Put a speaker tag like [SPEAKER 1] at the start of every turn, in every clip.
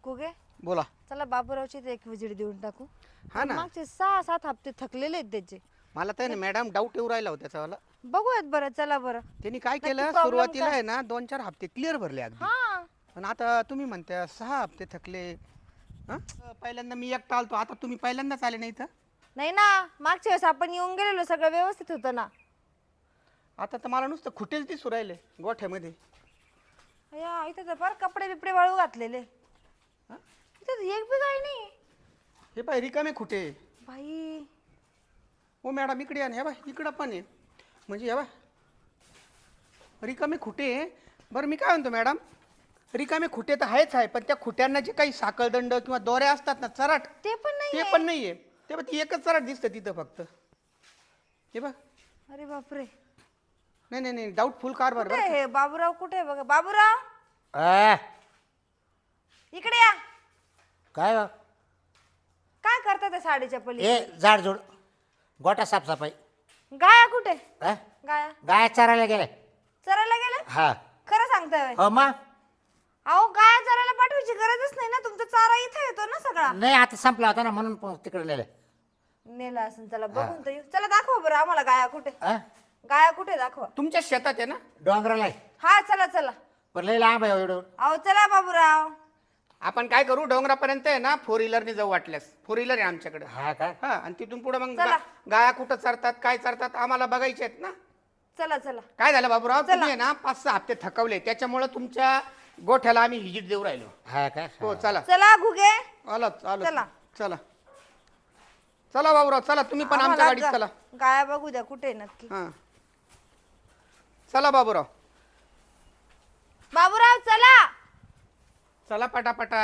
[SPEAKER 1] गुगे
[SPEAKER 2] बोला.
[SPEAKER 1] चला बाबूरावची एक विजिट देऊन टाकू.
[SPEAKER 2] हा ना,
[SPEAKER 1] मागचे 6-7 हप्ते थकलेले आहेत त्याचे.
[SPEAKER 2] मला तर मॅडम डाऊट येऊ राहिला होता त्याचा.
[SPEAKER 1] बघूयात बरं, चला बरं.
[SPEAKER 2] त्यांनी काय
[SPEAKER 1] नक्की
[SPEAKER 2] केलं,
[SPEAKER 1] problem
[SPEAKER 2] सुरुवातीला
[SPEAKER 1] काय?
[SPEAKER 2] आहे ना 2-4 हप्ते क्लिअर भरले अगदी.
[SPEAKER 1] हा
[SPEAKER 2] पण आता तुम्ही म्हणता 6 हप्ते थकले. हा? पहिल्यांदा मी एकटा आलतो, आता तुम्ही पहिल्यांदाच आले नाही तर.
[SPEAKER 1] नाही ना, मागच्या वेळेस आपण येऊन गेलेलो, सगळं व्यवस्थित होतं ना.
[SPEAKER 2] आता तर मला नुसतं खुटेच दिसू राहिले गोठ्यामध्ये.
[SPEAKER 1] या इथं तर फार कपडे बिपडे वाळू घातलेले.
[SPEAKER 2] हा?
[SPEAKER 1] इथं एक बी काही नाही
[SPEAKER 2] हे पाय रिकामे खुटे.
[SPEAKER 1] बाई.
[SPEAKER 2] हो मॅडम इकडे या ना, हे बाय इकडं पण आहे. म्हणजे हे बाय रिकामे खुटे आहे. बरं मी काय म्हणतो मॅडम, रिकामे खुटे तर आहेच आहे, पण त्या खुट्यांना जे काही साखळदंड किंवा दोऱ्या असतात ना, चराट,
[SPEAKER 1] ते पण
[SPEAKER 2] ते
[SPEAKER 1] नाही.
[SPEAKER 2] पण नाहीये. ते बघ एकच चराट दिसतं तिथं फक्त. हे बघ.
[SPEAKER 1] अरे बापरे.
[SPEAKER 2] नाही नाही नाही, डाऊटफुल कारभार
[SPEAKER 1] कुठे
[SPEAKER 2] बरं.
[SPEAKER 1] आहे हे बाबूराव? कुठे आहे बघा बाबूराव,
[SPEAKER 3] आ,
[SPEAKER 1] इकडे या.
[SPEAKER 3] काय हो?
[SPEAKER 1] काय करता त्या साडीच्या पली?
[SPEAKER 3] ए झाडझूड गोटा साफसफाई.
[SPEAKER 1] गाया कुठे?
[SPEAKER 3] हा?
[SPEAKER 1] गाया
[SPEAKER 3] गाय चरायला गेले.
[SPEAKER 1] चरायला गेले?
[SPEAKER 3] हा
[SPEAKER 1] खरं सांगताय होय?
[SPEAKER 3] हो मग.
[SPEAKER 1] अहो गाया चरायला पाठवायची गरजच नाही ना, तुमचा चारा इथे येतो ना सगळा.
[SPEAKER 3] नाही आता संपला होता ना म्हणून तिकडे नेले.
[SPEAKER 1] नेला असेल, चला बघून तर येऊ. चला दाखवा बरं आम्हाला गाया कुठे.
[SPEAKER 3] हा?
[SPEAKER 1] गाया कुठे दाखवा.
[SPEAKER 2] तुमच्या शेतात आहे ना.
[SPEAKER 3] डोंगराला आहे.
[SPEAKER 1] हा चला चला.
[SPEAKER 3] पण लई लांब आहे एवढं.
[SPEAKER 1] अहो चला बाबूराव.
[SPEAKER 2] आपण काय करू, डोंगरापर्यंत आहे ना 4 व्हीलरने जाऊ वाटल्यास. 4 व्हीलर आहे आमच्याकडे.
[SPEAKER 3] हा का?
[SPEAKER 2] हा, आणि तिथून पुढे मग
[SPEAKER 1] चला.
[SPEAKER 2] गाया कुठं चरतात, काय चरतात आम्हाला बघायचे आहेत ना.
[SPEAKER 1] चला चला.
[SPEAKER 2] काय झालं बाबूराव,
[SPEAKER 1] चला.
[SPEAKER 2] तुम्ही आहे ना 5-6 हप्ते थकवले, त्याच्यामुळे तुमच्या गोठ्याला आम्ही व्हिजिट देऊ राहिलो.
[SPEAKER 3] हा का?
[SPEAKER 2] हो चला.
[SPEAKER 1] चला घुगे.
[SPEAKER 2] आलो आलो.
[SPEAKER 1] चला.
[SPEAKER 2] चला चला बाबूराव, चला तुम्ही पण आमच्या
[SPEAKER 1] आम्हाला
[SPEAKER 2] गाडीत चला.
[SPEAKER 1] गाया बघू द्या कुठे आहे नक्की.
[SPEAKER 2] हा चला बाबूराव,
[SPEAKER 1] बाबूराव चला.
[SPEAKER 2] चला पटापटा.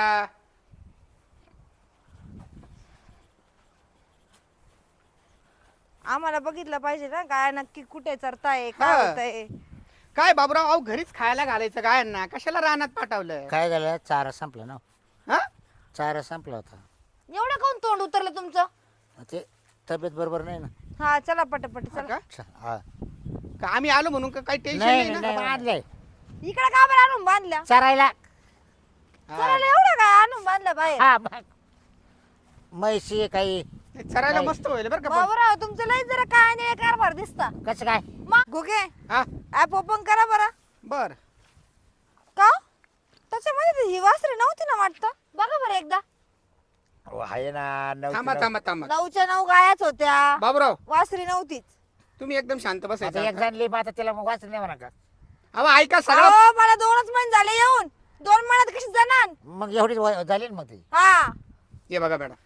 [SPEAKER 1] आम्हाला बघितलं पाहिजे ना गाया नक्की कुठे चरताय,
[SPEAKER 2] हा.
[SPEAKER 1] काय होतंय.
[SPEAKER 2] काय बाबूराव, अहो घरीच खायला घालायचं गायांना, कशाला रानात पाठवलं.
[SPEAKER 3] काय झालं? चारा संपला ना.
[SPEAKER 2] हा?
[SPEAKER 3] चारा संपला होता.
[SPEAKER 1] एवढं काऊन तोंड उतरलं तुमचं?
[SPEAKER 3] ते तब्येत बरोबर नाही ना.
[SPEAKER 1] हा चला पटापट
[SPEAKER 2] हा
[SPEAKER 1] चला.
[SPEAKER 2] का?
[SPEAKER 3] हा.
[SPEAKER 2] का आम्ही आलो म्हणून का काही टेन्शन
[SPEAKER 3] नाही
[SPEAKER 2] नाही
[SPEAKER 3] नाही
[SPEAKER 2] ना.
[SPEAKER 3] बांधले
[SPEAKER 1] इकडे का बरं आणून बांधल्या?
[SPEAKER 3] चरायला.
[SPEAKER 1] चला एवढं काय आणून बांधलं बाहेर?
[SPEAKER 3] हा मग. म्हैशी आहे काही.
[SPEAKER 2] ते चरायला
[SPEAKER 3] नाही.
[SPEAKER 2] मस्त होईल बरं का पण.
[SPEAKER 1] बाबूराव तुमचं लय जरा काय आणि कारभार दिसता.
[SPEAKER 3] कसं काय?
[SPEAKER 1] मग घुगे
[SPEAKER 2] हा
[SPEAKER 1] ऍप ओपन करा बरं.
[SPEAKER 2] बर.
[SPEAKER 1] का त्याच्यामध्ये ती ही वासरी नव्हती ना वाटतं? बघा बरं एकदा.
[SPEAKER 3] हो, आहे ना.
[SPEAKER 2] थांबा थांबा थांबा
[SPEAKER 1] 9च्या 9 गायाच होत्या,
[SPEAKER 2] बाबूराव,
[SPEAKER 1] वासरी नव्हतीच.
[SPEAKER 2] तुम्ही एकदम शांत
[SPEAKER 3] आता
[SPEAKER 2] बसायचं
[SPEAKER 3] एक
[SPEAKER 2] आता.
[SPEAKER 3] जण लिहिब आता त्याला मग वाचलं नाही म्हणा का?
[SPEAKER 2] अहो ऐका सगळं.
[SPEAKER 1] अहो मला 2च महिने झाले येऊन, 2 महिन्यात कशी जाणार?
[SPEAKER 3] मग एवढी झाली ना मग ती.
[SPEAKER 1] हा
[SPEAKER 2] हे बघा मॅडम,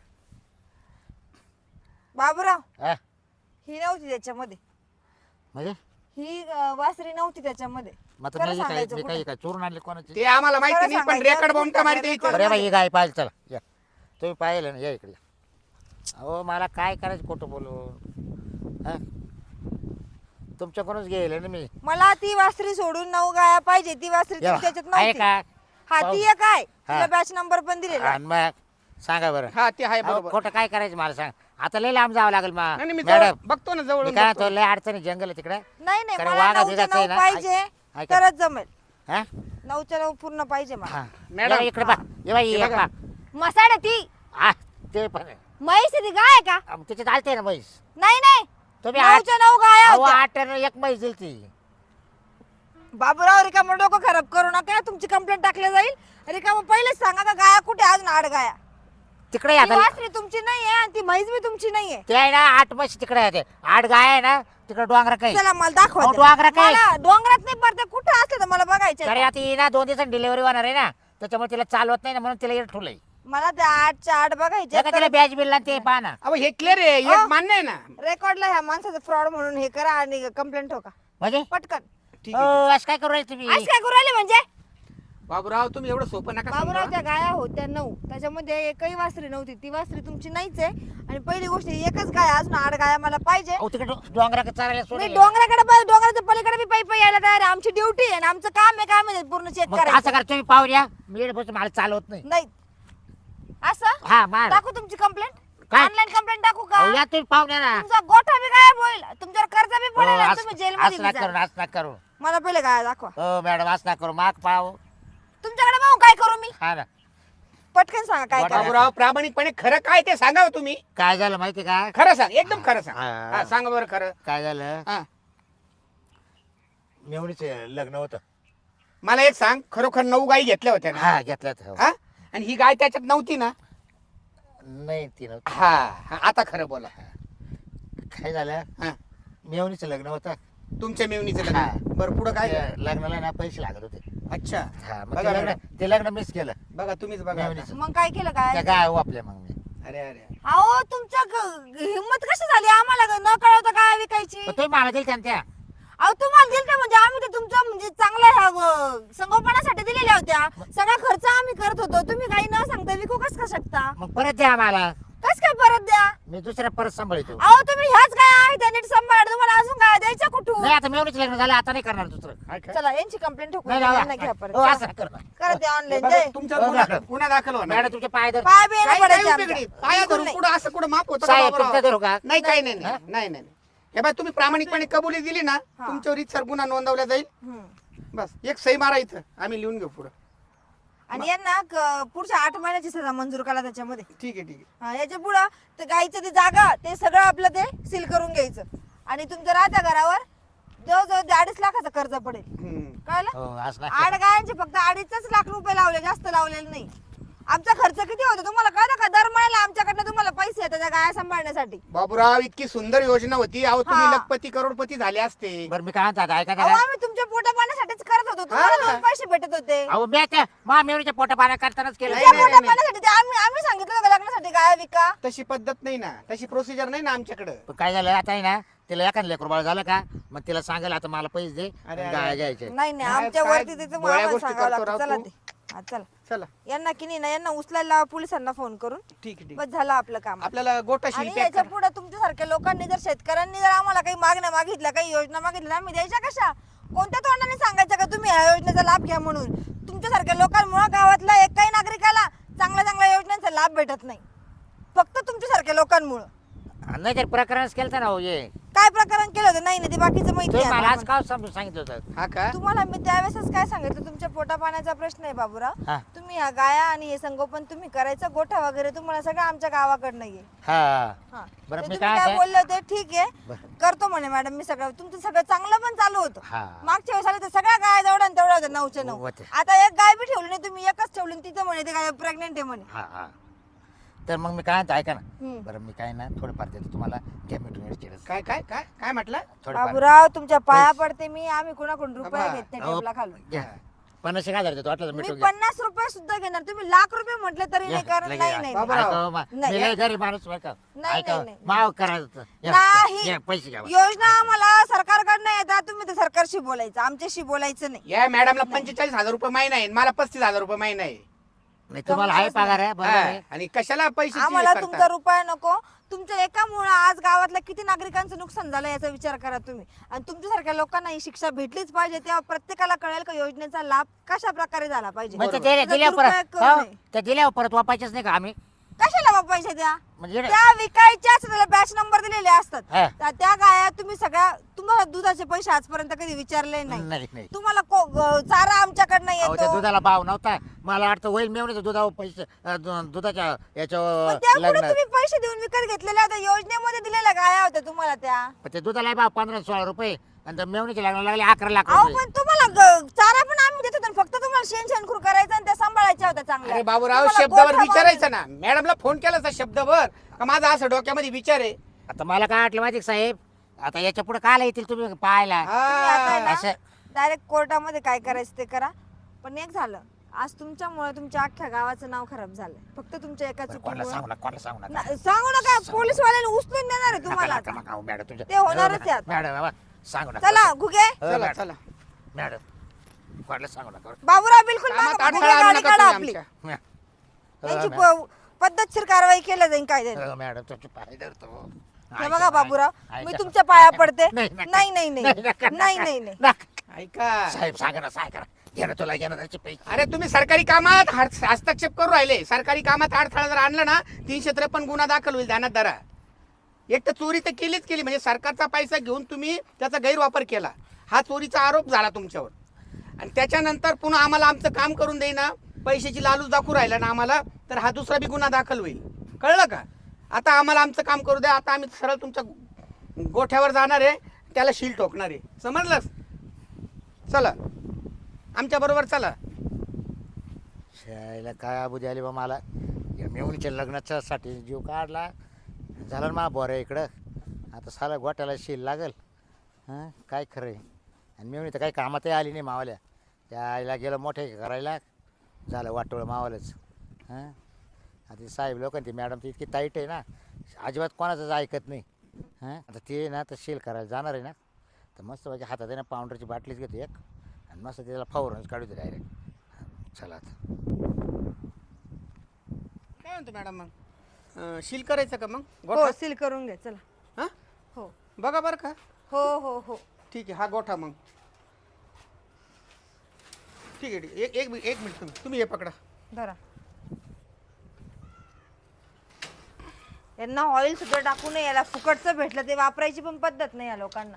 [SPEAKER 1] बाबूराव
[SPEAKER 3] हा?
[SPEAKER 1] ही नव्हती त्याच्यामध्ये.
[SPEAKER 3] म्हणजे
[SPEAKER 1] ही वासरी नव्हती त्याच्यामध्ये.
[SPEAKER 3] मग आता
[SPEAKER 1] खरं
[SPEAKER 3] मी काय
[SPEAKER 1] सांगायचं
[SPEAKER 3] मी
[SPEAKER 1] कुठे?
[SPEAKER 3] काय काय चोरून आणले कोणाची?
[SPEAKER 2] ते आम्हाला माहिती
[SPEAKER 1] खरं
[SPEAKER 2] नाही, पण
[SPEAKER 1] सांगायचं,
[SPEAKER 2] रेकॉर्ड बाउंड
[SPEAKER 1] तुम्ही
[SPEAKER 2] मारते
[SPEAKER 1] record
[SPEAKER 2] इथं.
[SPEAKER 3] अरे बाई ही गाय पाहिजे. चला या तुम्ही पाहिलं ना, या इकडे. अहो मला काय करायचं खोटं बोलून? हा? तुमच्याकडूनच गेले ना मी.
[SPEAKER 1] मला ती वासरी सोडून 9 गाया पाहिजे. ती वासरी
[SPEAKER 3] या,
[SPEAKER 1] तुमच्या ह्याच्यात
[SPEAKER 3] आहे
[SPEAKER 1] नव्हती.
[SPEAKER 3] का?
[SPEAKER 1] हा
[SPEAKER 3] पाहू.
[SPEAKER 1] ती एक आहे.
[SPEAKER 3] हा.
[SPEAKER 1] तिला बॅच नंबर पण दिलेला आहे.
[SPEAKER 3] आणि मग सांगा बरं.
[SPEAKER 2] हा ते आहे
[SPEAKER 3] अहो,
[SPEAKER 2] बरोबर.
[SPEAKER 3] खोटं काय करायचं मला सांग. आता लय लांब जावं लागेल
[SPEAKER 2] नाही नाही, मी
[SPEAKER 3] मॅडम.
[SPEAKER 2] जवळ बघतो ना, जवळ
[SPEAKER 3] मी काय तो लय अडचणी जंगल आहे तिकडे.
[SPEAKER 1] नाही नाही
[SPEAKER 3] कारण
[SPEAKER 1] मला
[SPEAKER 3] वाघा
[SPEAKER 1] 9च्या
[SPEAKER 3] बिघाचं आहे
[SPEAKER 1] 9
[SPEAKER 3] ना.
[SPEAKER 1] पाहिजे
[SPEAKER 3] ऐका.
[SPEAKER 1] तरच जमेल.
[SPEAKER 3] हा?
[SPEAKER 1] 9च्या 9 पूर्ण पाहिजे मला.
[SPEAKER 3] हा.
[SPEAKER 2] मॅडम,
[SPEAKER 3] या इकडे बा. ये बाई
[SPEAKER 2] हे
[SPEAKER 3] ये
[SPEAKER 2] बघा.
[SPEAKER 3] बा.
[SPEAKER 1] मसाड ती
[SPEAKER 3] हा ते पण आहे.
[SPEAKER 1] म्हैस आहे ती गाय आहे का?
[SPEAKER 3] त्याच्यात आलते ना म्हैस.
[SPEAKER 1] नाही नाही
[SPEAKER 3] तुम्ही
[SPEAKER 1] 9च्या 9 गाया
[SPEAKER 3] अहो,
[SPEAKER 1] होत्या.
[SPEAKER 3] 8 आणि एक म्हैस दिली ती.
[SPEAKER 1] बाबूराव रिकामं डोकं खराब करू नका. तुमची कंप्लेंट टाकली जाईल. रिकामं पहिलेच सांगा का गाया कुठे अजून 8 गाया.
[SPEAKER 3] तिकडे
[SPEAKER 1] ती
[SPEAKER 3] आता
[SPEAKER 1] वासरी तुमची नाहीये आणि ती म्हैस बी तुमची नाहीये.
[SPEAKER 3] ते आहे ना 8 म्हशी तिकडे आहे. 8 गाय आहे ना तिकडे डोंगरा काही.
[SPEAKER 1] चला मला दाखवा
[SPEAKER 3] अहो,
[SPEAKER 1] त्या.
[SPEAKER 3] डोंगरात काय?
[SPEAKER 1] मला डोंगरात नाही पडते, कुठे असले तर मला बघायचं.
[SPEAKER 3] तरी आता ही ना 2 दिवसांनी डिलिव्हरी होणार आहे ना, त्याच्यामुळे तिला चालवत नाही ना, म्हणून तिला इकडे ठेवलंय.
[SPEAKER 1] मला त्या 8च्या 8 बघायचे.
[SPEAKER 3] तिला बॅच बिल ते पहा ना.
[SPEAKER 2] अहो हे क्लिअर आहे, एक मान्य आहे ना.
[SPEAKER 1] रेकॉर्डला ह्या माणसाचं फ्रॉड म्हणून हे करा आणि कंप्लेंट ठोका
[SPEAKER 3] म्हणजे
[SPEAKER 1] पटकन.
[SPEAKER 2] ठीक आहे.
[SPEAKER 3] असं काय करू राहिले तुम्ही?
[SPEAKER 1] आज काय करू राहिले म्हणजे?
[SPEAKER 2] बाबूराव तुम्ही एवढं सोपं नका
[SPEAKER 1] बाबूराव
[SPEAKER 2] समजा.
[SPEAKER 1] त्या गाया होत्या 9, त्याच्यामध्ये एकही वासरी नव्हती. ती वासरी तुमची नाहीच आहे. आणि पहिली गोष्ट एकच गाय, अजून 8 गाया मला पाहिजे.
[SPEAKER 3] अहो तिकडे डोंगरा चालायला
[SPEAKER 1] मी
[SPEAKER 3] सोडले.
[SPEAKER 1] डोंगराच्या पलीकडे मी पायी यायला तयार आहे. आमची ड्युटी आहे आणि आमचं काम आहे काय म्हणजे पूर्ण चेक
[SPEAKER 3] मग असं
[SPEAKER 1] करायचं.
[SPEAKER 3] करा तुम्ही पाहून या. मी इकडे बसून मला चालवत नाही.
[SPEAKER 1] नाही असं
[SPEAKER 3] हा मार.
[SPEAKER 1] टाकू तुमची कंप्लेंट?
[SPEAKER 3] काय?
[SPEAKER 1] ऑनलाईन कंप्लेंट टाकू का?
[SPEAKER 3] अहो, या तुम्ही पाहून या ना.
[SPEAKER 1] तुमचा गोठा बी गायब होईल, तुमच्यावर कर्ज बी
[SPEAKER 3] हो,
[SPEAKER 1] पडेल आणि
[SPEAKER 3] असं
[SPEAKER 1] तुम्ही जेलमध्ये
[SPEAKER 3] असं
[SPEAKER 1] बी
[SPEAKER 3] नका करू,
[SPEAKER 1] जाल.
[SPEAKER 3] असं नका करू.
[SPEAKER 1] मला पहिले गाय दाखवा.
[SPEAKER 3] हो मॅडम असं नका करू. माग पाहू.
[SPEAKER 1] तुमच्याकडे पाहून काय करू मी?
[SPEAKER 3] हा ना.
[SPEAKER 1] पटकन सांगा काय करा.
[SPEAKER 2] बाबूराव प्रामाणिकपणे खरं काय ते सांगा हो तुम्ही.
[SPEAKER 3] काय झालं माहिती का?
[SPEAKER 2] खरं सांग, एकदम खरं सांग.
[SPEAKER 3] हा.
[SPEAKER 2] हा, सांगा बरं खरं.
[SPEAKER 3] काय झालं,
[SPEAKER 2] हा.
[SPEAKER 3] मेवणीचे लग्न होतं.
[SPEAKER 2] मला एक सांग, खरोखर 9 गाई घेतल्या होत्या ना?
[SPEAKER 3] हा घेतल्यात. हो.
[SPEAKER 2] हा, आणि ही गाय त्याच्यात नव्हती ना?
[SPEAKER 3] नाही ती नव्हती.
[SPEAKER 2] हा हा, आता खरं बोला.
[SPEAKER 3] काय झालं,
[SPEAKER 2] हा,
[SPEAKER 3] मेवणीचं लग्न होतं.
[SPEAKER 2] तुमच्या मेवणीचं
[SPEAKER 3] हा.
[SPEAKER 2] लग्न. बरं पुढं काय?
[SPEAKER 3] ते लग्नाला ना पैसे लागत होते.
[SPEAKER 2] अच्छा.
[SPEAKER 3] हा मग
[SPEAKER 2] बघा
[SPEAKER 3] ते लग्न,
[SPEAKER 2] मॅडम.
[SPEAKER 3] ते लग्न मिस केलं.
[SPEAKER 2] बघा तुम्हीच बघा आता.
[SPEAKER 3] मेवणीचं.
[SPEAKER 1] मग काय केलं काय?
[SPEAKER 3] त्या गाय वापल्या मग मी.
[SPEAKER 2] अरे अरे,
[SPEAKER 1] अहो तुमचं हिंमत कशी झाली आम्हाला न कळवता काय विकायची?
[SPEAKER 3] पण तुम्ही मला दिली त्या.
[SPEAKER 1] अहो तुम्हाला दिलं म्हणजे आम्ही ते तुमचं म्हणजे चांगल्या ह्या संगोपनासाठी दिलेल्या होत्या. सगळा खर्च आम्ही करत होतो. तुम्ही काही न सांगता विकू कस का शकता?
[SPEAKER 3] मग परत द्या मला.
[SPEAKER 1] कस काय परत द्या?
[SPEAKER 3] मी दुसऱ्या परत सांभाळतो.
[SPEAKER 1] अहो तुम्ही ह्याच काय आहे त्या नीट सांभाळ. तुम्हाला अजून काय द्यायच्या कुठून?
[SPEAKER 3] नाही आता मेवणीचं लग्न झालं, आता नाही करणार दुसरं.
[SPEAKER 2] काय काय?
[SPEAKER 1] चला यांची कंप्लेंट ठोकून
[SPEAKER 3] नाही
[SPEAKER 1] यांना घ्या
[SPEAKER 3] हो,
[SPEAKER 1] परत.
[SPEAKER 3] असं करणार.
[SPEAKER 1] करा ते ऑनलाईन
[SPEAKER 2] बघा,
[SPEAKER 1] दे.
[SPEAKER 2] तुमच्यावर गुन्हा दाखल होणार.
[SPEAKER 3] मॅडम तुमचे पाय धर.
[SPEAKER 1] पाय बिया
[SPEAKER 2] काय
[SPEAKER 1] पडायचे
[SPEAKER 2] काय
[SPEAKER 1] आमच्या.
[SPEAKER 2] उपयोग नाही. पाया
[SPEAKER 1] बिलकुल
[SPEAKER 2] धरून
[SPEAKER 1] नाही.
[SPEAKER 2] पुढं असं कुठं माप होतं का
[SPEAKER 3] साहेब
[SPEAKER 2] बाबूराव?
[SPEAKER 3] तुमचं धरू का?
[SPEAKER 2] नाही काही नाही नाही नाही नाही. हे बाय तुम्ही प्रामाणिकपणे कबुली दिली ना,
[SPEAKER 1] हा.
[SPEAKER 2] तुमच्यावर इथं गुन्हा नोंदवला जाईल.
[SPEAKER 1] हम्म.
[SPEAKER 2] बस एक सही मारा इथं, आम्ही लिहून घेऊ पुढं.
[SPEAKER 1] आणि यांना पुढच्या 8 महिन्याची सजा मंजूर करा त्याच्यामध्ये.
[SPEAKER 2] ठीक आहे ठीक आहे.
[SPEAKER 1] हा, याच्या पुढं ते गाईचं ते जागा ते सगळं आपलं ते सील करून घ्यायचं. आणि तुमच्या राहत्या घरावर जवळजवळ 2.5 लाखाचं कर्ज पडेल.
[SPEAKER 2] हम्म.
[SPEAKER 1] कळलं?
[SPEAKER 3] हो असं नाही.
[SPEAKER 1] 8 गायांचे फक्त 2.5 लाख रुपये लावले, जास्त लावलेले नाही. आमचा खर्च किती होतो तुम्हाला कळतं का? दर महिन्याला आमच्याकडनं तुम्हाला पैसे येतात त्या गाया सांभाळण्यासाठी.
[SPEAKER 2] बाबूराव इतकी सुंदर योजना होती. अहो तुम्ही
[SPEAKER 1] हा.
[SPEAKER 2] लखपती करोडपती झाले असते.
[SPEAKER 3] बरं मी काय म्हणतो आता, ऐका
[SPEAKER 1] अहो
[SPEAKER 3] जरा.
[SPEAKER 1] आम्ही तुमच्या पोटा पाण्यासाठीच करत होतो. तुम्हाला
[SPEAKER 2] हा.
[SPEAKER 1] 2 पैसे भेटत होते.
[SPEAKER 3] अहो मी त्या मा मेवणीच्या पोटा पाण्या करतानाच केलं.
[SPEAKER 2] नाही,
[SPEAKER 1] तुमच्या
[SPEAKER 2] नाही,
[SPEAKER 1] पोटा
[SPEAKER 2] नाही.
[SPEAKER 1] पाण्यासाठी ते आम्ही सांगितलं होतं का लग्नासाठी गाया विका?
[SPEAKER 2] तशी पद्धत नाही ना, तशी प्रोसिजर नाही ना आमच्याकडं.
[SPEAKER 3] पण काय झालं आता आहे ना, तिला एखादं लेकरू बाळ झालं का, मग तिला सांगायला आता मला पैसे दे,
[SPEAKER 2] अरे, अरे,
[SPEAKER 3] गाय
[SPEAKER 2] अरे.
[SPEAKER 3] घ्यायचे.
[SPEAKER 1] नाही नाही
[SPEAKER 2] काय-
[SPEAKER 1] आमच्या
[SPEAKER 2] काय
[SPEAKER 1] वरती तिथं
[SPEAKER 2] गोळ्या
[SPEAKER 1] आम्हाला
[SPEAKER 2] गोष्टी
[SPEAKER 1] सांगावं
[SPEAKER 2] करतो
[SPEAKER 1] लागतं.
[SPEAKER 2] राव
[SPEAKER 1] चला
[SPEAKER 2] तू.
[SPEAKER 1] ते हा, चला
[SPEAKER 2] चला
[SPEAKER 1] यांना की नाही ना यांना उचलायला लावा पोलिसांना फोन करून.
[SPEAKER 2] ठीक आहे ठीक
[SPEAKER 1] बस झालं आपलं काम.
[SPEAKER 2] आहे. आपल्याला गोटा
[SPEAKER 1] आणि
[SPEAKER 2] शिल्पी
[SPEAKER 1] याच्या पुढे तुमच्यासारख्या लोकांनी जर शेतकऱ्यांनी जर आम्हाला काही मागण्या मागितल्या, काही योजना मागितल्या, आम्ही द्यायच्या कशा? कोणत्या तोंडाने सांगायचं का तुम्ही ह्या योजनेचा लाभ घ्या म्हणून? तुमच्यासारख्या लोकांमुळे गावातल्या एकही नागरिकाला चांगल्या चांगल्या योजनांचा लाभ भेटत नाही, फक्त तुमच्यासारख्या लोकांमुळे.
[SPEAKER 3] नाही तर प्रकरणच केलं ना हो ये.
[SPEAKER 1] काय प्रकरण केलं होतं? नाही ना, ते बाकीचं माहिती
[SPEAKER 3] तुम्ही
[SPEAKER 1] आहे
[SPEAKER 3] मला आज
[SPEAKER 1] आता.
[SPEAKER 3] काय समजून सांगितलं होतं.
[SPEAKER 2] हा का?
[SPEAKER 1] तुम्हाला मी त्यावेळेसच काय सांगितलं, तुमच्या पोटा पाण्याचा प्रश्न आहे बाबूराव.
[SPEAKER 3] हा
[SPEAKER 1] तुम्ही ह्या गाया आणि हे संगोपन तुम्ही करायचं, गोठा वगैरे तुम्हाला सगळं आमच्या गावाकडनं ये.
[SPEAKER 3] हा
[SPEAKER 1] हा.
[SPEAKER 3] बरं,
[SPEAKER 1] ते
[SPEAKER 3] मी
[SPEAKER 1] तुम्ही
[SPEAKER 3] काय
[SPEAKER 1] काय
[SPEAKER 3] म्हणते?
[SPEAKER 1] बोलले होते ठीक आहे
[SPEAKER 3] बरं.
[SPEAKER 1] करतो म्हणे मॅडम मी सगळं. तुमचं सगळं चांगलं पण चालू होतं.
[SPEAKER 3] हा.
[SPEAKER 1] मागच्या वेळेस आले तर सगळ्या गाय जेवढ्या आणि तेवढ्या होत्या 9च्या 9.
[SPEAKER 3] होत्या.
[SPEAKER 1] आता एक गाय बी ठेवली नाही तुम्ही, एकच ठेवली आणि तिथं म्हणे ते गाय प्रेग्नेंट आहे म्हणे.
[SPEAKER 3] हा हा तर मग मी काय म्हणतो ऐका ना.
[SPEAKER 1] हम्म.
[SPEAKER 3] बरं मी काय ना थोडंफार देतो तुम्हाला, घ्या मिटून चिरस
[SPEAKER 2] काय काय काय काय म्हटलं?
[SPEAKER 3] थोडंफार.
[SPEAKER 1] बाबूराव तुमच्या पाया पडते मी. आम्ही कुणाकडून रुपये
[SPEAKER 2] बाबा.
[SPEAKER 1] घेत नाही
[SPEAKER 3] अहो,
[SPEAKER 1] टेबला खालून.
[SPEAKER 3] घ्या 50,000 देतो वाटलं तर
[SPEAKER 1] मी
[SPEAKER 3] मिटून घ्या.
[SPEAKER 1] 50 रुपये सुद्धा घेणार. तुम्ही लाख रुपये म्हटले तरी नाही.
[SPEAKER 3] घ्या,
[SPEAKER 1] कारण
[SPEAKER 3] लगे
[SPEAKER 1] नाही
[SPEAKER 3] घ्या.
[SPEAKER 1] नाही
[SPEAKER 2] बाबा.
[SPEAKER 1] नाही.
[SPEAKER 3] ऐका हो,
[SPEAKER 1] नाही.
[SPEAKER 3] मी लय गरीब माणूस ऐका.
[SPEAKER 1] नाही,
[SPEAKER 3] ऐका
[SPEAKER 1] नाही, नाही.
[SPEAKER 3] माव करायचं. घ्या,
[SPEAKER 1] नाही.
[SPEAKER 3] घ्या, पैसे घ्या.
[SPEAKER 1] योजना आम्हाला सरकारकडनं येतात. तुम्ही तर सरकारशी बोलायचं, आमच्याशी बोलायचं नाही.
[SPEAKER 2] या मॅडमला 45,000 रुपये महिना आहे, मला 35,000 रुपये महिना आहे.
[SPEAKER 3] नाही तुम्हाला आहे पगार आहे बरोबर
[SPEAKER 2] हा,
[SPEAKER 3] आहे.
[SPEAKER 2] आणि कशाला पैसे
[SPEAKER 1] आम्हाला तुमचा रुपया नको. तुमच्या एकामुळे आज गावातल्या किती नागरिकांचं नुकसान झालं याचा विचार करा तुम्ही. आणि तुमच्यासारख्या लोकांना ही शिक्षा भेटलीच पाहिजे. तेव्हा प्रत्येकाला कळेल का योजनेचा लाभ कशा प्रकारे झाला पाहिजे.
[SPEAKER 3] मग ते
[SPEAKER 1] त्याचा
[SPEAKER 3] दिल्यावर
[SPEAKER 1] दुरुपयोग
[SPEAKER 3] परत
[SPEAKER 1] करू
[SPEAKER 3] हो,
[SPEAKER 1] नये.
[SPEAKER 3] ते दिल्यावर परत वापायचेच नाही का आम्ही?
[SPEAKER 1] कशाला बाबा पैसे द्या?
[SPEAKER 3] म्हणजे
[SPEAKER 1] त्या विकायच्याच त्याला बॅच नंबर दिलेले असतात.
[SPEAKER 3] हा.
[SPEAKER 1] त्या गाया तुम्ही सगळ्या, तुम्हाला दुधाचे पैसे आजपर्यंत कधी विचारले नाही.
[SPEAKER 3] नाही नाही
[SPEAKER 1] तुम्हाला चारा आमच्याकडनं
[SPEAKER 3] अहो त्या
[SPEAKER 1] येतो.
[SPEAKER 3] दुधाला भाव नव्हता. मला वाटतं होईल मेवणीचं दुधावर पैसे दुधाच्या
[SPEAKER 1] पण
[SPEAKER 3] याच्यावर
[SPEAKER 1] त्यापुढे
[SPEAKER 3] लग्न.
[SPEAKER 1] तुम्ही पैसे देऊन विकत घेतलेल्या होत्या. योजनेमध्ये दिलेल्या गाया होत्या तुम्हाला त्या.
[SPEAKER 3] पण ते दुधाला भाव 15-16 रुपये आणि त्या मेवणीचे लग्न लागले 11 लाख
[SPEAKER 1] अहो
[SPEAKER 3] रुपये.
[SPEAKER 1] पण तुम्हाला चारा पण आम्ही देत होतो. फक्त तुम्हाला शेणखूर करायचं आणि त्या सांभाळायच्या होत्या चांगल्या.
[SPEAKER 2] अरे बाबूराव
[SPEAKER 1] तुम्हाला
[SPEAKER 2] शब्दावर
[SPEAKER 1] गोठा
[SPEAKER 2] विचारायचं ना. मॅडमला फोन केला असता शब्दभर का माझा असं डोक्यामध्ये विचार आहे.
[SPEAKER 3] आता मला काय वाटलं माहिती का साहेब, आता याच्या पुढे काय येतील तुम्ही पाहायला
[SPEAKER 1] तुम्ही आता आहे
[SPEAKER 2] हा.
[SPEAKER 1] ना,
[SPEAKER 3] असं
[SPEAKER 1] डायरेक्ट कोर्टामध्ये काय करायचं ते करा. पण एक झालं, आज तुमच्यामुळे तुमच्या अख्ख्या गावाचं नाव खराब झालं. फक्त तुमच्या एका
[SPEAKER 3] कोणाला सांगू
[SPEAKER 1] चुकीमुळे.
[SPEAKER 3] नका, कोणाला सांगू नका.
[SPEAKER 1] सांगू नका. पोलीसवाल्याने उचलून देणार आहे तुम्हाला
[SPEAKER 3] नका,
[SPEAKER 1] आता.
[SPEAKER 3] नका, नका, मॅडम तुमच्या
[SPEAKER 1] ते होणारच आहे आता.
[SPEAKER 3] मॅडम बाबा सांगू नका.
[SPEAKER 1] चला घुगे.
[SPEAKER 3] हो,
[SPEAKER 2] चला
[SPEAKER 3] मॅडम.
[SPEAKER 2] चला.
[SPEAKER 3] मॅडम कोणाला सांगू नका.
[SPEAKER 1] बाबूराव बिलकुल
[SPEAKER 2] कामात
[SPEAKER 1] मागं
[SPEAKER 2] अडथळा
[SPEAKER 1] घुगे,
[SPEAKER 2] आणू
[SPEAKER 1] गाडी
[SPEAKER 2] नका
[SPEAKER 1] काढा
[SPEAKER 2] तुम्ही
[SPEAKER 1] आपली.
[SPEAKER 2] आमच्या.
[SPEAKER 1] त्यांची
[SPEAKER 3] मॅडम.
[SPEAKER 1] पद्धतशीर कारवाई केल्या जाईल कायद्याने.
[SPEAKER 3] हो, मॅडम तुमचे पाय धरतो.
[SPEAKER 1] हे
[SPEAKER 3] ऐका,
[SPEAKER 1] बघा बाबूराव,
[SPEAKER 3] ऐका.
[SPEAKER 1] मी तुमच्या पाया पडते.
[SPEAKER 3] नाही, नका.
[SPEAKER 1] नाही नाही नाही
[SPEAKER 3] नका,
[SPEAKER 1] नाही
[SPEAKER 3] नका.
[SPEAKER 1] नाही नाही.
[SPEAKER 3] नका.
[SPEAKER 2] ऐका
[SPEAKER 3] साहेब सांगा ना, सांगा ना. घे ना तुला, घे ना त्याचे पैसे.
[SPEAKER 2] अरे तुम्ही सरकारी कामात हस्तक्षेप करू राहिले. सरकारी कामात अडथळा जर आणला ना 353 गुन्हा दाखल होईल. ध्यानात धरा. एक तर चोरी तर केलीच केली, म्हणजे सरकारचा पैसा घेऊन तुम्ही त्याचा गैरवापर केला, हा चोरीचा आरोप झाला तुमच्यावर. आणि त्याच्यानंतर पुन्हा आम्हाला आमचं काम करून देईना. पैशाची लालूच दाखवू राहिला ना आम्हाला, तर हा दुसरा बी गुन्हा दाखल होईल. कळलं का? आता आम्हाला आमचं काम करू द्या. आता आम्ही सरळ तुमच्या गोठ्यावर जाणार आहे, त्याला शील ठोकणार आहे. समजलंस? चला आमच्या बरोबर चला.
[SPEAKER 3] शाळेला काय अबू द्याली बा मला. या मेवणीच्या लग्नाच्या साठी जीव काढला झाला ना मा बोऱ्या इकडं. आता साला गोट्याला शील लागल. हां काय खरं आहे. आणि मेवणी तर काही कामातही आली नाही मावाल्या. त्या आईला गेलं मोठे करायला, झालं वाटोळं मावालंच. हां आता साहेब लोकांनी ती मॅडम ती इतकी ताईट आहे ना, अजिबात कोणाचंच ऐकत नाही. हां आता ते ना तर शील करायला जाणार आहे ना, तर मस्त पाहिजे हातात आहे ना पावडरची बाटलीच घेतो एक, आणि मस्त त्याला फावरूनच काढू दे डायरेक्ट. चला आता
[SPEAKER 2] काय म्हणतो मॅडम, मग शील करायचं का मग
[SPEAKER 1] हो
[SPEAKER 2] गोठा?
[SPEAKER 1] सील करून घ्या चला.
[SPEAKER 2] हां
[SPEAKER 1] हो
[SPEAKER 2] बघा बरं का.
[SPEAKER 1] हो हो हो
[SPEAKER 2] ठीक आहे, हा गोठा मग. ठीक आहे, ठीक आहे. एक मिनिट तुम्ही हे पकडा.
[SPEAKER 1] धरा. यांना ऑइल सुद्धा टाकू नये, याला फुकटचं भेटलं ते वापरायची पण पद्धत नाही या लोकांना.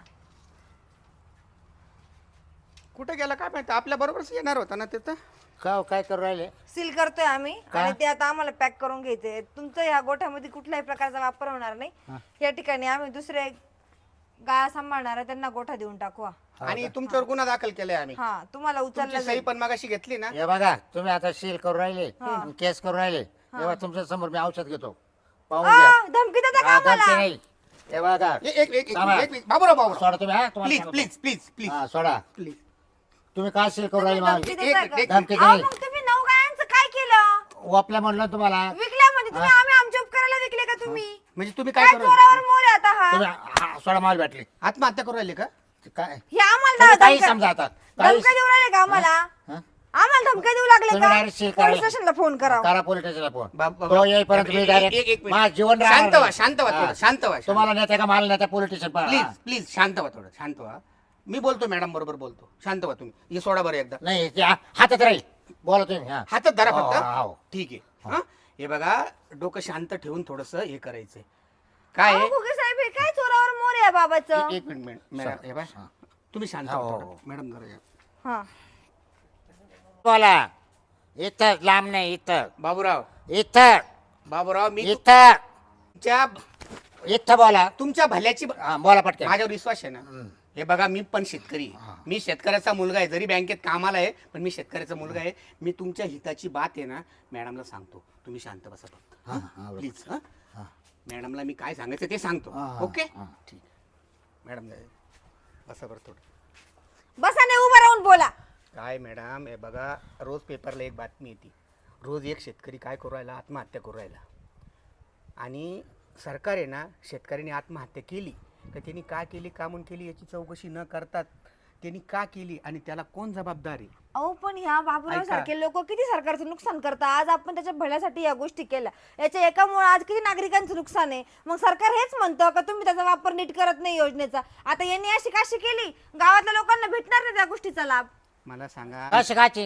[SPEAKER 2] कुठे गेला काय माहिती, आपल्या बरोबरच येणार होता ना तिथं.
[SPEAKER 3] का हो, काय करू राहिले.
[SPEAKER 1] सील करतोय आम्ही
[SPEAKER 3] का?
[SPEAKER 1] आणि ते आता आम्हाला पॅक करून घ्यायचे. तुमचं ह्या गोठ्यामध्ये कुठल्याही प्रकारचा वापर होणार नाही. या ठिकाणी आम्ही दुसरे गाया सांभाळणार आहे, त्यांना गोठा देऊन टाकू.
[SPEAKER 2] आणि तुमच्यावर गुन्हा दाखल केलाय आम्ही.
[SPEAKER 1] हा तुम्हाला उचलला
[SPEAKER 2] तुमची सही पण मगाशी घेतली ना.
[SPEAKER 3] हे बघा तुम्ही आता शील करू राहिले, केस करू राहिले, तेव्हा तुमच्या समोर मी औषध घेतो, पाहून घ्या.
[SPEAKER 1] धमकी देता का
[SPEAKER 3] हा, धमकी
[SPEAKER 1] आम्हाला?
[SPEAKER 3] नाही. हे बघा
[SPEAKER 2] बाबूराव
[SPEAKER 3] सोडा तुम्ही. हा तुम्हाला
[SPEAKER 2] प्लीज
[SPEAKER 3] सांगतो.
[SPEAKER 2] प्लीज प्लीज प्लीज
[SPEAKER 3] हा सोडा.
[SPEAKER 2] प्लीज.
[SPEAKER 3] तुम्ही काय शील करू राहिले
[SPEAKER 1] धमकी
[SPEAKER 3] मला.
[SPEAKER 1] देता का?
[SPEAKER 3] धमकी
[SPEAKER 1] अहो,
[SPEAKER 3] नाही.
[SPEAKER 1] मग तुम्ही 9 गायांचं काय केलं?
[SPEAKER 3] वापल्या म्हणलं तुम्हाला.
[SPEAKER 1] विकल्या म्हणजे तुम्ही आम्ही आमच्या उपकाराला विकले का तुम्ही?
[SPEAKER 2] म्हणजे तुम्ही काय
[SPEAKER 1] काय
[SPEAKER 2] करू
[SPEAKER 1] चोरावर मोर आहे आता हा?
[SPEAKER 3] तुम्ही हा, सोडा माल भेटली.
[SPEAKER 2] आत्महत्या करू राहिले का?
[SPEAKER 3] ते काय
[SPEAKER 1] हे आम्हाला
[SPEAKER 3] तुम्ही काही
[SPEAKER 1] धमक्या
[SPEAKER 3] समजा आता. काही
[SPEAKER 1] धमक्या देऊ राहिले का आम्हाला?
[SPEAKER 3] हा?
[SPEAKER 1] आम्हाला धमक्या देऊ लागले
[SPEAKER 3] तुम्ही
[SPEAKER 1] का?
[SPEAKER 3] direct seal
[SPEAKER 1] पोलीस
[SPEAKER 3] करायला.
[SPEAKER 1] स्टेशनला फोन करावं.
[SPEAKER 3] करा पोलीस स्टेशनला फोन.
[SPEAKER 2] बाबा-
[SPEAKER 3] तो येईपर्यंत मी डायरेक्ट
[SPEAKER 2] एक मिनिट.
[SPEAKER 3] माझं जीवन
[SPEAKER 2] शांत
[SPEAKER 3] राहणार
[SPEAKER 2] व्हा,
[SPEAKER 3] नाही.
[SPEAKER 2] शांत व्हा थोडं,
[SPEAKER 3] हा.
[SPEAKER 2] शांत व्हा.
[SPEAKER 3] तुम्हाला नेत्या का मला नेत्या पोलीस स्टेशन
[SPEAKER 2] प्लीज प्लीज शांत व्हा थोडं, शांत व्हा. मी बोलतो मॅडम बरोबर बोलतो. शांत व्हा तुम्ही. हे सोडा बरं एकदा.
[SPEAKER 3] नाही ते हातात राहील. बोला तुम्ही. हा.
[SPEAKER 2] हातात धरा
[SPEAKER 3] हो, हो.
[SPEAKER 2] फक्त. ठीक आहे. हा हे बघा, डोकं शांत ठेवून थोडस हे करायचंय. काय
[SPEAKER 1] अहो,
[SPEAKER 2] आहे?
[SPEAKER 1] घुगे साहेब हे काय चोरावर मोर आहे बाबाचं?
[SPEAKER 2] एक मिनिट मॅडम, हे बघा
[SPEAKER 3] हा.
[SPEAKER 2] तुम्ही शांत
[SPEAKER 3] हो,
[SPEAKER 2] व्हा
[SPEAKER 3] हो,
[SPEAKER 2] थोडं.
[SPEAKER 3] हो.
[SPEAKER 2] मॅडम जरा या.
[SPEAKER 1] हा
[SPEAKER 3] बोला. इथं लांब नाही. इथं
[SPEAKER 2] बाबूराव
[SPEAKER 3] इथं
[SPEAKER 2] मी
[SPEAKER 3] इथं
[SPEAKER 2] तुमच्या
[SPEAKER 3] इथं बोला.
[SPEAKER 2] तुमच्या भल्याची
[SPEAKER 3] हा, बोला पटकन.
[SPEAKER 2] माझ्यावर विश्वास आहे ना. हे बघा, मी पण शेतकरी आहे. मी शेतकऱ्याचा मुलगा आहे. जरी बँकेत कामाला आहे, पण मी शेतकऱ्याचा मुलगा आहे. मी तुमच्या हिताची बात आहे ना मॅडमला सांगतो. तुम्ही शांत बसा फक्त.
[SPEAKER 3] हा, हा, बरोबर.
[SPEAKER 2] प्लीज.
[SPEAKER 3] हा.
[SPEAKER 2] मॅडमला मी काय सांगायचं ते सांगतो.
[SPEAKER 3] हा, हा,
[SPEAKER 2] ओके
[SPEAKER 3] हा.
[SPEAKER 2] ठीक. मॅडम बसा बरं थोडं.
[SPEAKER 1] बसा नाही, उभं राहून बोला.
[SPEAKER 2] काय मॅडम, हे बघा, रोज पेपरला एक बातमी येते. रोज एक शेतकरी काय करू राहिला, आत्महत्या करू राहिला. आणि सरकार आहे ना, शेतकऱ्याने आत्महत्या केली तर त्यांनी का केली, का म्हणून केली याची चौकशी न करतात त्यांनी का केली आणि त्याला कोण जबाबदार आहे.
[SPEAKER 1] अहो पण ह्या बाबूराव सारखे लोक किती सरकारचं नुकसान करतात. आज आपण त्याच्या भल्यासाठी या गोष्टी केल्या, याच्या एकामुळे आज किती नागरिकांचं नुकसान आहे. मग सरकार हेच म्हणतं का तुम्ही त्याचा वापर नीट करत नाही योजनेचा. आता यांनी अशी काशी केली, गावातल्या लोकांना भेटणार नाही त्या गोष्टीचा लाभ.
[SPEAKER 2] मला सांगा
[SPEAKER 3] काय शिकायची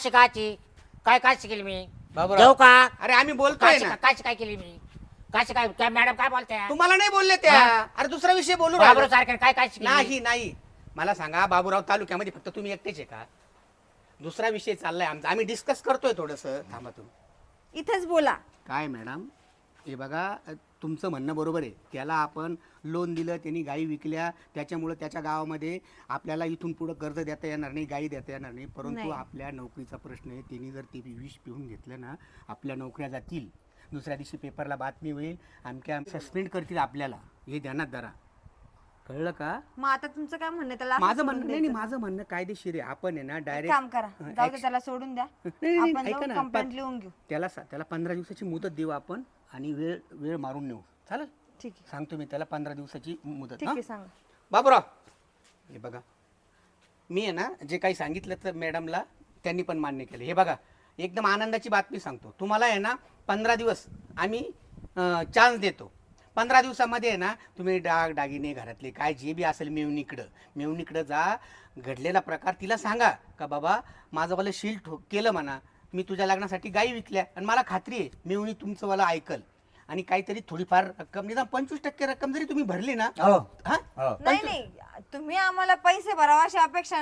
[SPEAKER 3] काय केली मी.
[SPEAKER 2] बाबूराव.
[SPEAKER 3] देऊ का.
[SPEAKER 2] अरे आम्ही बोलतोय ना.
[SPEAKER 3] काय केली मी. काय मॅडम काय बोलताय.
[SPEAKER 2] तुम्हाला नाही बोलले त्या. अरे दुसरा विषय बोलू
[SPEAKER 3] बाबरो
[SPEAKER 2] राहिलो.
[SPEAKER 3] सारखे काय शिकली.
[SPEAKER 2] नाही नाही, मला सांगा, बाबूराव तालुक्यामध्ये फक्त तुम्ही एकटेच आहे का? दुसरा विषय चाललाय आमचा, आम्ही डिस्कस करतोय थोडस. थांबा तुम्ही.
[SPEAKER 1] इथेच बोला.
[SPEAKER 2] काय मॅडम, हे बघा, तुमचं म्हणणं बरोबर आहे. त्याला आपण लोन दिलं, त्यांनी गायी विकल्या, त्याच्यामुळं त्याच्या गावामध्ये आपल्याला इथून पुढं कर्ज देता येणार नाही, गायी देता येणार नाही. परंतु
[SPEAKER 1] नाही.
[SPEAKER 2] आपल्या नोकरीचा प्रश्न आहे. त्यांनी जर ते विष पिऊन घेतलं ना, आपल्या नोकऱ्या जातील. दुसऱ्या दिवशी पेपरला बातमी होईल, आमच्या सस्पेंड करतील आपल्याला. हे ध्यानात धरा. कळलं का?
[SPEAKER 1] मग आता तुमचं काय म्हणणं आहे? त्याला असं
[SPEAKER 2] माझं
[SPEAKER 1] सोडून
[SPEAKER 2] म्हणणं नाही,
[SPEAKER 1] द्यायचं?
[SPEAKER 2] माझं म्हणणं कायदेशीर आहे. आपण आहे ना
[SPEAKER 1] एक
[SPEAKER 2] डायरेक्ट
[SPEAKER 1] काम करा, जाऊ दे, त्याला सोडून द्या.
[SPEAKER 2] नाही,
[SPEAKER 1] आपण
[SPEAKER 2] ऐका
[SPEAKER 1] जाऊन
[SPEAKER 2] ना,
[SPEAKER 1] कंप्लेंट लिहून घेऊ.
[SPEAKER 2] त्याला 15 दिवसाची मुदत देऊ आपण आणि वेळ मारून नेऊ. चालेल?
[SPEAKER 1] ठीक आहे,
[SPEAKER 2] सांगतो मी त्याला 15 दिवसाची मुदत.
[SPEAKER 1] ठीक आहे, सांगा.
[SPEAKER 2] बाबूराव, हे बघा, मी आहे ना जे काही सांगितलं तर मॅडमला त्यांनी पण मान्य केलं. हे बघा, एकदम आनंदाची बातमी सांगतो तुम्हाला. आहे ना 15 दिवस आम्ही चान्स देतो. 15 दिवसामध्ये आहे ना तुम्ही दागिने घरातले काय जे बी असेल मेवणीकडं जा. घडलेला प्रकार तिला सांगा का बाबा माझं वाला शील केलं म्हणा, मी तुझ्या लग्नासाठी गायी विकल्या आणि मला खात्री आहे मेवणी तुमचं वाला ऐकल. आणि काहीतरी थोडीफार रक्कम, निदान 25% रक्कम जरी तुम्ही भरली ना.
[SPEAKER 3] हो.
[SPEAKER 2] हा
[SPEAKER 3] हो.
[SPEAKER 1] नाही नाही, तुम्ही आम्हाला पैसे भरावा अशी अपेक्षा नाही.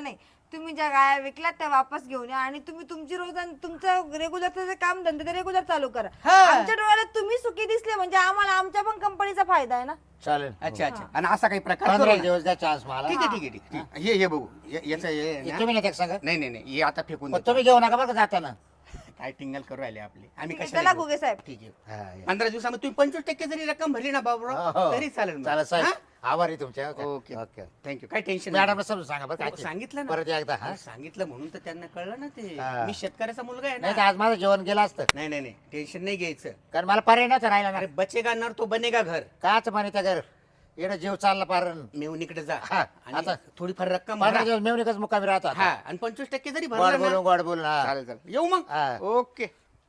[SPEAKER 1] तुम्ही ज्या गाया विकल्यात त्या वापस घेऊन या आणि तुम्ही तुमची रोज तुमचं रेग्युलरचं काम धंदे ते रेग्युलर चालू करा.
[SPEAKER 2] हा.
[SPEAKER 1] आमच्या डोळ्यात तुम्ही सुखी दिसले म्हणजे आम्हाला आमच्या पण कंपनीचा फायदा आहे ना.
[SPEAKER 3] चालेल.
[SPEAKER 2] अच्छा अच्छा. आणि असा काही प्रकार
[SPEAKER 3] 15
[SPEAKER 2] करू नका.
[SPEAKER 3] दिवस द्या चान्स मला.
[SPEAKER 2] ठीक आहे ठीक आहे ठीक आहे. हे बघू याचं हे
[SPEAKER 3] तुम्ही नाही सांगा.
[SPEAKER 2] नाही नाही नाही हे आता फेकून देतो.
[SPEAKER 3] तुम्ही घेऊ नका बरं का जाताना.
[SPEAKER 2] काय टिंगल करू राहिले आपले आम्ही
[SPEAKER 1] ठीक आहे,
[SPEAKER 2] कशाला
[SPEAKER 1] चला
[SPEAKER 2] घेऊ?
[SPEAKER 1] घुगे साहेब.
[SPEAKER 2] ठीक आहे.
[SPEAKER 3] हा, या.
[SPEAKER 2] 15 दिवसामध्ये तुम्ही 25% जरी रक्कम भरली ना बाबूराव
[SPEAKER 3] हो.
[SPEAKER 2] तरी चालेल मग.
[SPEAKER 3] चालेल साहेब.
[SPEAKER 2] हा?
[SPEAKER 3] आभारी तुमच्या.
[SPEAKER 2] Okay
[SPEAKER 3] okay.
[SPEAKER 2] थँक्यू काय टेन्शन
[SPEAKER 3] मॅडमला समजून सांगा बरं
[SPEAKER 2] हो,
[SPEAKER 3] काय
[SPEAKER 2] सांगितलं ना
[SPEAKER 3] परत एकदा हा.
[SPEAKER 2] सांगितलं म्हणून तर त्यांना कळलं ना ते
[SPEAKER 3] हा.
[SPEAKER 2] मी शेतकऱ्याचा मुलगा आहे
[SPEAKER 3] नाही तर
[SPEAKER 2] ना.
[SPEAKER 3] आज माझं जेवण गेलं असतं.
[SPEAKER 2] नाही नाही नाही टेन्शन नाही घ्यायचं.
[SPEAKER 3] कारण मला पर्याय नव्हता राहिला ना.
[SPEAKER 2] अरे बचेगा नर तो बनेगा घर.
[SPEAKER 3] काच म्हणे त्या घर येणं जीव चालला पार.
[SPEAKER 2] मेवणीकडे जा
[SPEAKER 3] हा,
[SPEAKER 2] आणि
[SPEAKER 3] आता
[SPEAKER 2] थोडीफार रक्कम
[SPEAKER 3] 15
[SPEAKER 2] भरा.
[SPEAKER 3] दिवस मेवणीकच मुक्कामी राहतो
[SPEAKER 2] हा
[SPEAKER 3] आता.
[SPEAKER 2] आणि 25% जरी
[SPEAKER 3] गोड
[SPEAKER 2] भरला
[SPEAKER 3] बोलून
[SPEAKER 2] ना
[SPEAKER 3] गोड बोलून हा.
[SPEAKER 2] चालेल चालेल येऊ मग
[SPEAKER 3] हा.
[SPEAKER 2] ओके.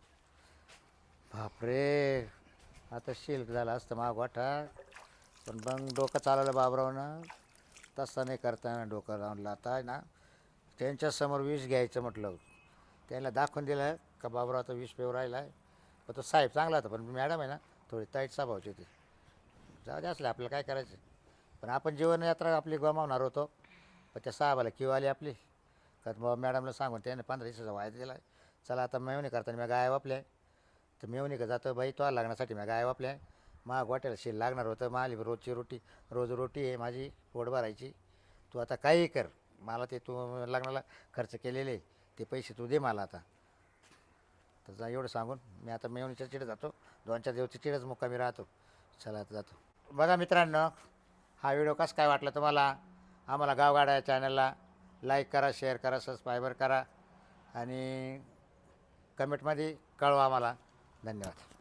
[SPEAKER 3] बापरे आता शिल्क झाला असतं मा गोठा पण मग डोकं चालवलं बाबरावनं. तसं नाही करताना डोकं लावलं आता आहे ना. त्यांच्यासमोर विष घ्यायचं म्हटलं त्याला दाखवून दिलं का बाबराव आता विष पेवर राहिला आहे. पण तो साहेब चांगला होता पण मॅडम आहे ना थोडी ताईट स्वभावची होती. जाऊ दे असले आपल्याला काय करायचं. पण आपण जीवनयात्रा आपली गमावणार होतो. पण त्या साहेबाला किंवा आली आपली का बाबा मॅडमला सांगून त्याने 15 दिवसाचा वायदा दिला. चला आता मेवणी करताना मी गाय वापल्या तर मेवणी का जातो बाई तो लागण्यासाठी मी गाय वापल्या. मा गोट्याला शेल लागणार होतं माली रोजची रोटी रोज रोटी आहे माझी पोट भरायची. तू आता काही कर मला ते तू लग्नाला खर्च केलेले ते पैसे तू दे मला आता. तर जा एवढं सांगून मी आता मेवणीच्या चिडे जातो. 2-4 दिवसची चिडच मुक्कामी राहतो. चला आता जातो. बघा मित्रांनो हा व्हिडिओ कसं काय वाटला तुम्हाला. आम्हाला गावगाडा चॅनलला लाईक करा शेअर करा सबस्क्राईबर करा आणि कमेंटमध्ये कळवा आम्हाला. धन्यवाद.